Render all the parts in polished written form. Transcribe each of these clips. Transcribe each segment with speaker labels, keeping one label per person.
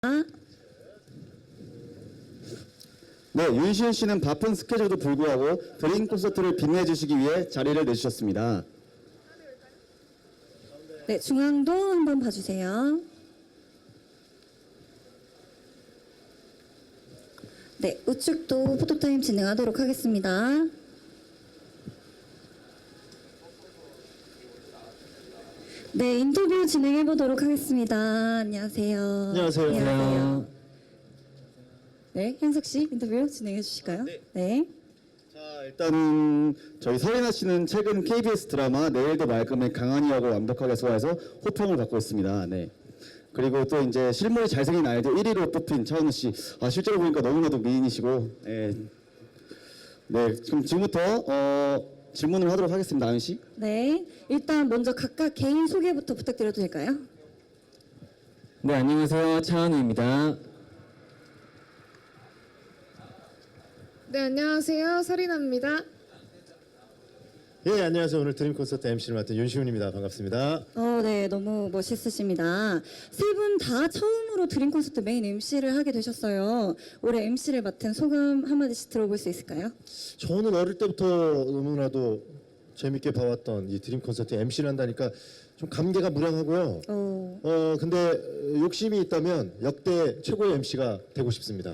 Speaker 1: 네, 윤시은 씨는 바쁜 스케줄도 불구하고 드림 콘서트를 빛내주시기 위해 자리를 내주셨습니다.
Speaker 2: 네, 중앙도 한번 봐주세요. 네, 우측도 포토타임 진행하도록 하겠습니다. 네, 인터뷰 진행해 보도록 하겠습니다. 안녕하세요.
Speaker 1: 안녕하세요.
Speaker 2: 네, 현석 씨 인터뷰 진행해 주실까요? 네.
Speaker 1: 자, 일단 저희 서리나 씨는 최근 KBS 드라마 내일도 말끔의 강한이 역을 완벽하게 소화해서 호평을 받고 있습니다. 네. 그리고 또 이제 실물이 잘생긴 아이돌 1위로 뽑힌 차은우 씨. 아, 실제로 보니까 너무나도 미인이시고, 네. 네, 그럼 지금부터 질문을 하도록 하겠습니다, 아은 씨.
Speaker 2: 네, 일단 먼저 각각 개인 소개부터 부탁드려도 될까요?
Speaker 3: 네, 안녕하세요. 차은우입니다.
Speaker 4: 네, 안녕하세요. 서리나입니다.
Speaker 5: 예, 안녕하세요. 오늘 드림 콘서트 MC를 맡은 윤시훈입니다. 반갑습니다.
Speaker 2: 네, 너무 멋있으십니다. 세 분 다 처음으로 드림 콘서트 메인 MC를 하게 되셨어요. 올해 MC를 맡은 소감 한마디씩 들어볼 수 있을까요?
Speaker 5: 저는 어릴 때부터 너무나도 재밌게 봐왔던 이 드림 콘서트 MC를 한다니까 좀 감개가 무량하고요. 근데 욕심이 있다면 역대 최고의 MC가 되고 싶습니다.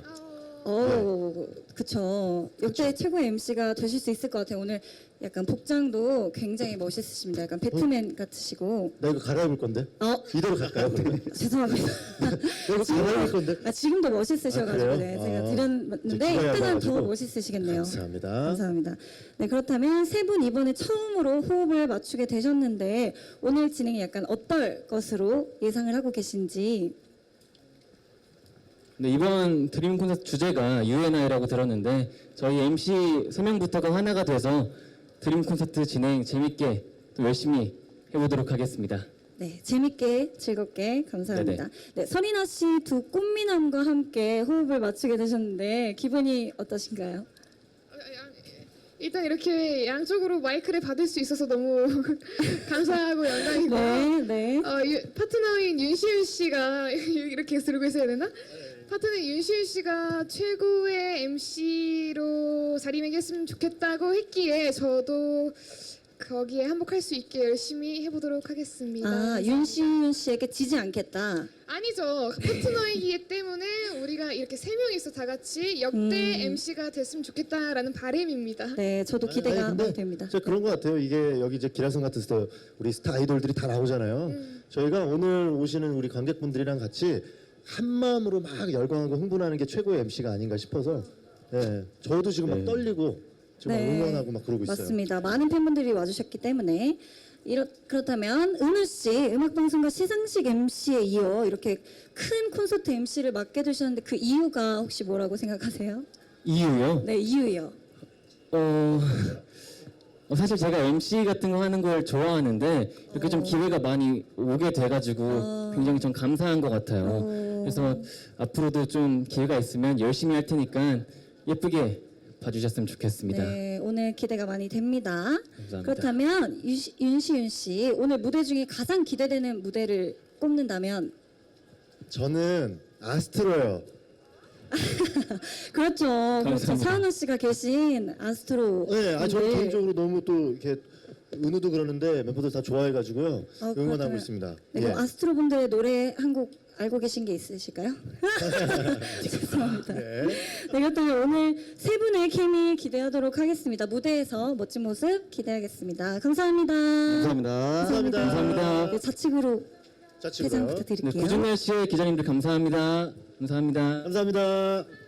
Speaker 2: 그쵸. 역대 최고의 MC가 되실 수 있을 것 같아요. 오늘 약간 복장도 굉장히 멋있으십니다. 약간 배트맨 같으시고.
Speaker 5: 나 이거 갈아입을 건데? 이대로 갈까요?
Speaker 2: 죄송합니다.
Speaker 5: 나 이거 갈아입을 건데?
Speaker 2: 지금도 멋있으셔가지고
Speaker 5: 아,
Speaker 2: 네,
Speaker 5: 그래요?
Speaker 2: 제가
Speaker 5: 이제
Speaker 2: 드렸는데
Speaker 5: 기가야
Speaker 2: 이때는 더
Speaker 5: 나가지고.
Speaker 2: 멋있으시겠네요.
Speaker 5: 감사합니다.
Speaker 2: 감사합니다. 네, 그렇다면 세 분 이번에 처음으로 호흡을 맞추게 되셨는데 오늘 진행이 약간 어떨 것으로 예상을 하고 계신지.
Speaker 3: 네, 이번 드림 콘서트 주제가 UNI라고 들었는데 저희 MC 3명부터가 하나가 돼서 드림 콘서트 진행 재밌게 또 열심히 해보도록 하겠습니다.
Speaker 2: 네, 재밌게 즐겁게 감사합니다. 네, 서리나 씨 두 꽃미남과 함께 호흡을 맞추게 되셨는데 기분이 어떠신가요?
Speaker 4: 일단 이렇게 양쪽으로 마이크를 받을 수 있어서 너무 감사하고 영광이고요.
Speaker 2: 네, 네.
Speaker 4: 파트너인 윤시윤 씨가 이렇게 들고 있어야 되나? 파트너 윤시윤 씨가 최고의 MC로 자리매겼으면 좋겠다고 했기에 저도 거기에 한복할 수 있게 열심히 해보도록 하겠습니다.
Speaker 2: 윤시윤 씨에게 지지 않겠다.
Speaker 4: 아니죠. 파트너이기 때문에 우리가 이렇게 세 명이서 다 같이 역대 MC가 됐으면 좋겠다라는 바람입니다.
Speaker 2: 네, 저도 기대가
Speaker 5: 근데
Speaker 2: 많이 됩니다.
Speaker 5: 진짜 그런 것 같아요. 이게 여기 이제 기라성 같은 스타 우리 스타 아이돌들이 다 나오잖아요. 저희가 오늘 오시는 우리 관객분들이랑 같이 한 마음으로 막 열광하고 흥분하는 게 최고의 MC가 아닌가 싶어서 예, 저도 지금 막 떨리고 지금 막 응원하고 막 그러고 있어요.
Speaker 2: 맞습니다. 많은 팬분들이 와주셨기 때문에 그렇다면 은우 씨 음악방송과 시상식 MC에 이어 이렇게 큰 콘서트 MC를 맡게 되셨는데 그 이유가 혹시 뭐라고 생각하세요?
Speaker 3: 이유요?
Speaker 2: 네, 이유요.
Speaker 3: 사실 제가 MC 같은 거 하는 걸 좋아하는데 이렇게 좀 기회가 많이 오게 돼가지고 굉장히 좀 감사한 것 같아요. 그래서 앞으로도 좀 기회가 있으면 열심히 할 테니까 예쁘게 봐주셨으면 좋겠습니다.
Speaker 2: 네, 오늘 기대가 많이 됩니다.
Speaker 3: 감사합니다.
Speaker 2: 그렇다면 윤시윤 씨 오늘 무대 중에 가장 기대되는 무대를 꼽는다면?
Speaker 5: 저는 아스트로요.
Speaker 2: 그렇죠. 그렇죠.
Speaker 3: 감사합니다.
Speaker 2: 차은우 씨가 계신 아스트로.
Speaker 5: 네, 저는 개인적으로 너무 또 이렇게 은우도 그러는데 멤버들 다 좋아해가지고요. 응원하고
Speaker 2: 그렇다면-
Speaker 5: 있습니다.
Speaker 2: 네,
Speaker 5: 예.
Speaker 2: 그럼 아스트로 분들의 노래 한 곡 알고 계신 게 있으실까요? 죄송합니다. 네, 그렇다면 오늘 세 분의 케미 기대하도록 하겠습니다. 무대에서 멋진 모습 기대하겠습니다. 감사합니다.
Speaker 1: 감사합니다.
Speaker 3: 감사합니다.
Speaker 2: 네, 좌측으로
Speaker 5: 자, 치고요.
Speaker 2: 퇴장
Speaker 3: 네,
Speaker 2: 부탁드릴게요.
Speaker 3: 구준날 씨의 기자님들 감사합니다. 감사합니다.
Speaker 5: 감사합니다.